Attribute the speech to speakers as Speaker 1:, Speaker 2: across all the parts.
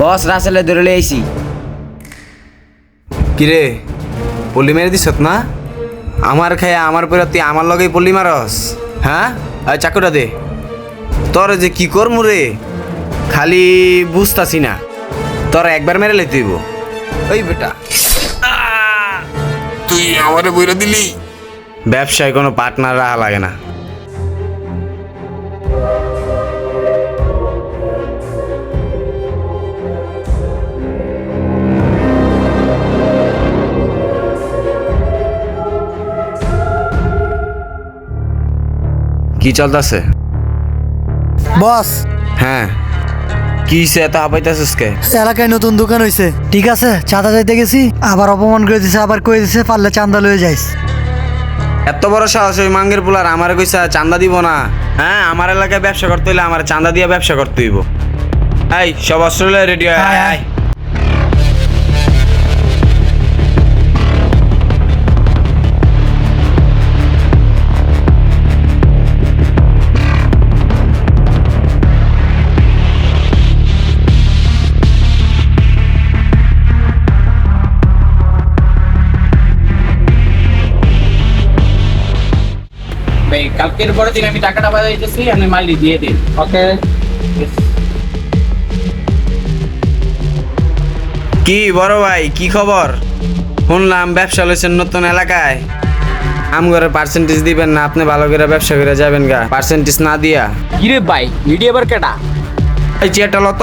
Speaker 1: বস রাসেলে ধরে লইছি।
Speaker 2: কিরে পল্লি মেরে দিছত না? আমার খায়া আমার পরে তুই আমার লগেই পল্লি মারস? হ্যাঁ আর চাকুটা দে। তোর যে কি করমু রে খালি বুঝতাছি না। তোর একবার মেরে লইতে হইব। ওই বেটা তুই আমারে বইরা দিলি। ব্যবসায় কোনো পার্টনার রাখা লাগে না। কি চলতেছে
Speaker 3: বস?
Speaker 2: হ্যাঁ কি হইছে এত হাঁপাইতেছিস কে?
Speaker 3: এলাকায় নতুন দোকান হইছে, ঠিক আছে, চাঁদা যাইতে গেছি, আবার অপমান করে দিছে, আবার কয়ে দিছে পারলে চাঁদা লয়ে যাইস।
Speaker 2: এত বড় সাহস ওই মাঙ্গের পোলার আমার কইসা চাঁদা দিব না? হ্যাঁ আমার এলাকায় ব্যবসা করতে হইলে আমার চাঁদা দিয়ে ব্যবসা করতে হইব। এই সব অস্ট্রেলিয়া রেডি হয়
Speaker 3: আয়, আয়।
Speaker 2: আয়।
Speaker 1: ভাই কালকের পরের দিন আমি টাকাটা পাঠাইতেছি, আপনি মাইলি দিয়ে দিন। ওকে।
Speaker 2: কি বড় ভাই কি খবর? শুনলাম ব্যবসা লইছেন নতুন এলাকায়। আমগরে পার্সেন্টেজ দিবেন না? আপনি ভালো করে ব্যবসা করে যাবেন গা, পার্সেন্টেজ না দিয়া।
Speaker 1: কিরে ভাই ভিডিও আবার কেটা?
Speaker 2: এই চেয়ারটা লত।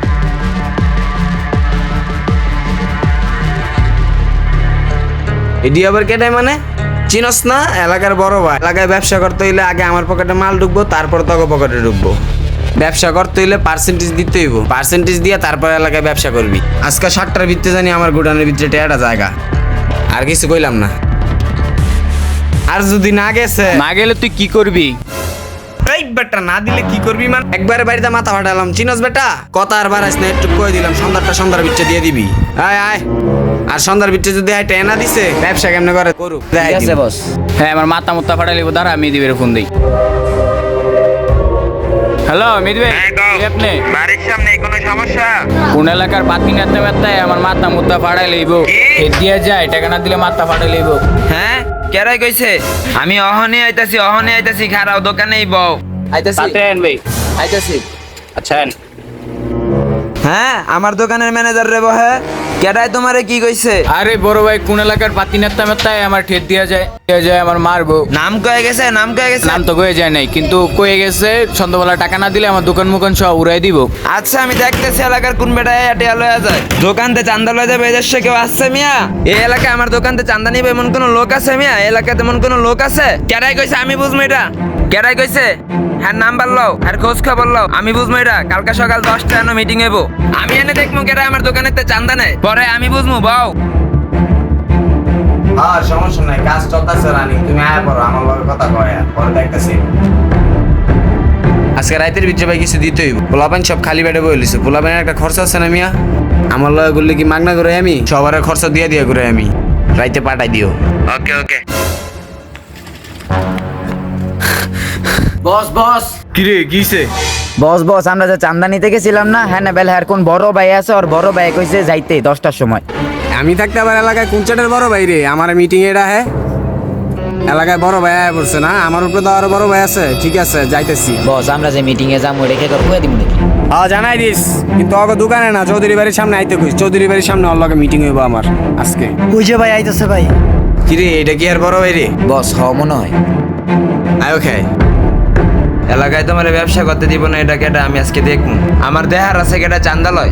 Speaker 2: এডি আবার কেটাই মানে? চিনস না? এলাকার বড় ভাই। এলাকায় ব্যবসা করতে হইলে আগে আমার পকেটে মাল ঢুকবো, তারপর তোকে পকেটে ঢুকবো। ব্যবসা করতে হইলে পার্সেন্টেজ দিতে হইব, পার্সেন্টেজ দিয়ে তারপর এলাকায় ব্যবসা করবি। আজকে 7টার ভিতরে জানি আমার গোডাউনের ভিতরে টেয়াটা জায়গা। আর কিছু কইলাম না। আর যদি না গেছে,
Speaker 1: না গেলে তুই কি করবি?
Speaker 2: এই বেটা না দিলে কি করবি? মানে একবারে বাড়িতে মাথা ফাটালাম। চিনস বেটা? কথা আর বাড়াইস না, একটু কই দিলাম সন্ধ্যার ভিতরে দিয়ে দিবি। আয় আয়। আর সন্ধ্যার ভিতরে যদি টেনা দিছে ব্যবসা কেমনে করে করুক।
Speaker 1: ঠিক আছে বস। হ্যাঁ আমার মাথা মুত্তা ফাটাইলে দাঁড়া, আমি দিবের ফোন দিই। হ্যালো মেদি ভাই, আপনি
Speaker 2: বাড়ির সামনে কোনো সমস্যা?
Speaker 1: কোন এলাকার পাতি নাতে মাত্তায় আমার মাথা মুত্তা ফাটাই লইব। এ দিয়া যায়, টাকা না দিলে মাথা ফাটাই লইব।
Speaker 4: হ্যাঁ কেরাই কইছে? আমি অহনে আইতাছি খারাও দোকানেই বউ আইতাছি।
Speaker 1: সাথে আন ভাই।
Speaker 4: আইতাছি।
Speaker 1: আচ্ছা আন।
Speaker 4: হ্যাঁ আমার দোকানের ম্যানেজার রে বহে। কেরাই তোমারে কি কইছে?
Speaker 1: আরে বড় ভাই কোন এলাকার পাতি নাতে মাত্তায় আমার ঠেট দিয়া যায় আমার মারবো।
Speaker 4: নাম কয়ে গেছে?
Speaker 1: নাম তো কয়ে যায় নাই, কিন্তু কয়ে গেছে সন্ধ্যাবেলা টাকা না দিলে আমার দোকান মুকান সব উড়াই দিব।
Speaker 4: আচ্ছা আমি দেখতেছি এলাকার কোন বেটায় আটিয়া লয়া যায়। দোকানতে চান্দা লয়া যাবে এদেশে কেউ আসছে মিয়া? এই এলাকায় আমার দোকানতে চান্দা নিবে এমন কোন লোক আছে মিয়া? এই এলাকাতে এমন কোন লোক আছে? কেরাই কইছে আমি বুঝবো এটা? কেরাই কইছে? হ্যাঁ নাম্বার লও, হ্যাঁ খোঁজ খবর লও, আমি বুঝবো এটা। কালকে সকাল 10টা এনে মিটিং হইব। আমি এনে দেখবো কেরাই আমার দোকানেতে চান্দা নেয়, পরে আমি বুঝবো বাও।
Speaker 2: আর সমস্যা নাই, কাজ চলতেছে রানি। তুমি আয়া পড়ো, আমার লগে কথা কয় পরে দেখতেছি। আজকে রাতের ভিতরে ভাই কিছু দিতে হইব। পোলাপান সব খালি বেড়ে বই লিছে। পোলাপানের একটা খরচা আছে না মিয়া? আমার লগে করলে কি মাগনা করে আমি? সবার খরচা দিয়ে করে আমি রাইতে পাঠাই দিও।
Speaker 4: ওকে ওকে।
Speaker 1: বস বস।
Speaker 2: কিরে কিছে?
Speaker 5: বস বস আমরা যে চান্দা নিতে গেছিলাম না, হ্যাঁ না বেলা কোন বড় ভাই আছে, ওর বড় ভাই কইছে যাইতে 10টার সময়।
Speaker 2: আমি থাকতে আবার এলাকায় কুঞ্চাটের বড় ভাই রে আমার মিটিং এটা। হ্যাঁ এলাকায় বড় ভাই আয়া পড়ছে না? আমার উপরে তো আরো বড় ভাই আছে। ঠিক আছে যাইতেছি।
Speaker 5: বস আমরা যে মিটিং এ যাবো রেখে তোর কয়ে দিব নাকি?
Speaker 2: হ্যাঁ জানাই দিস, কিন্তু ওকে দোকানে না, চৌধুরী বাড়ির সামনে আইতে কইস। চৌধুরী বাড়ির সামনে ওর লগে মিটিং হইব আমার আজকে।
Speaker 3: ওই যে ভাই আইতেছে ভাই।
Speaker 2: কিরে এটা কি আর বড় ভাই রে?
Speaker 5: বস হ মনে হয়।
Speaker 2: আয়ো খাই।
Speaker 4: এলাকায় তোমার ব্যবসা করতে দিব না এটা কেটা আমি আজকে দেখবো। আমার দেহার আছে কেটা চান্দা লয়।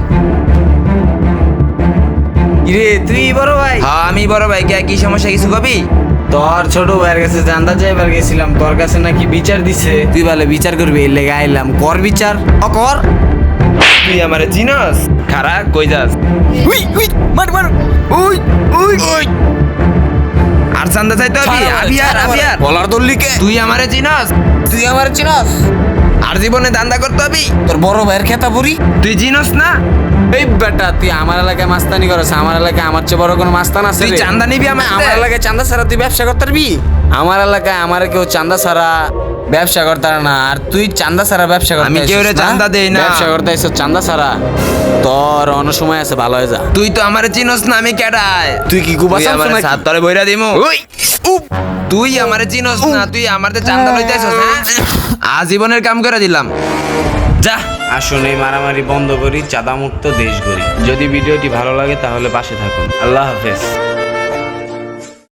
Speaker 2: কিরে তুই বড় ভাই?
Speaker 4: হ্যাঁ আমি বড় ভাই। কে কি সমস্যা কিছু কবি?
Speaker 2: তোর ছোট ভাইয়ের কাছে জানতে চাইবার গেছিলাম, তোর কাছে নাকি বিচার দিছে। তুই বলে বিচার করবি, এর লেগে আইলাম। কর বিচার। কর।
Speaker 4: তুই আমারে চিনস? খারা কই যাস? উই উই মার মার। We we we. আর চান্দা চাইতে হবি? আবি আর
Speaker 2: বলার দল্লি কে?
Speaker 4: তুই আমারে চিনস?
Speaker 2: তুই আমার চিনস?
Speaker 4: আর জীবনে দান্দা করতে হবি?
Speaker 2: তোর বড় ভাইয়ের খেতা পুরি
Speaker 4: তুই চিনস না?
Speaker 2: এই বেটা তুই আমার এলাকায় মাস্তানি করছ। আমার এলাকায় আমার চেয়ে বড় কোনো মাস্তান আছে?
Speaker 4: তুই চান্দা নিবি
Speaker 2: আমার এলাকায় চান্দা ছাড়া তুই ব্যবসা করতে পারবি? আমার এলাকায় আমার কেউ চান্দা ছাড়া ব্যবসা করতে না, আর তুই চান্দা ছাড়া ব্যবসা করতে
Speaker 4: আমি কেউরে
Speaker 2: আইছিস না?
Speaker 4: চান্দা দেই না।
Speaker 2: ব্যবসা করতে আইছিস চান্দা ছাড়া, তোর অন্য সময় আছে, ভালো হয়ে যা।
Speaker 4: তুই তো আমারে চিনস না, আমি কেডায়?
Speaker 2: তুই কি কুবা
Speaker 4: তুই
Speaker 2: চামচু
Speaker 4: আমারে
Speaker 2: নাকি?
Speaker 4: সাত তলে বইরা দিমু। তুই আমারে চিনস না, তুই আমারতে চান্দা লইতে আইছস, হ্যাঁ? আজীবনের কাম করে দিলাম, যা।
Speaker 2: আসুন এই মারামারি বন্ধ করি, চাঁদা মুক্ত দেশ গড়ি। যদি ভিডিওটি ভালো লাগে তাহলে পাশে থাকুন। আল্লাহ হাফেজ।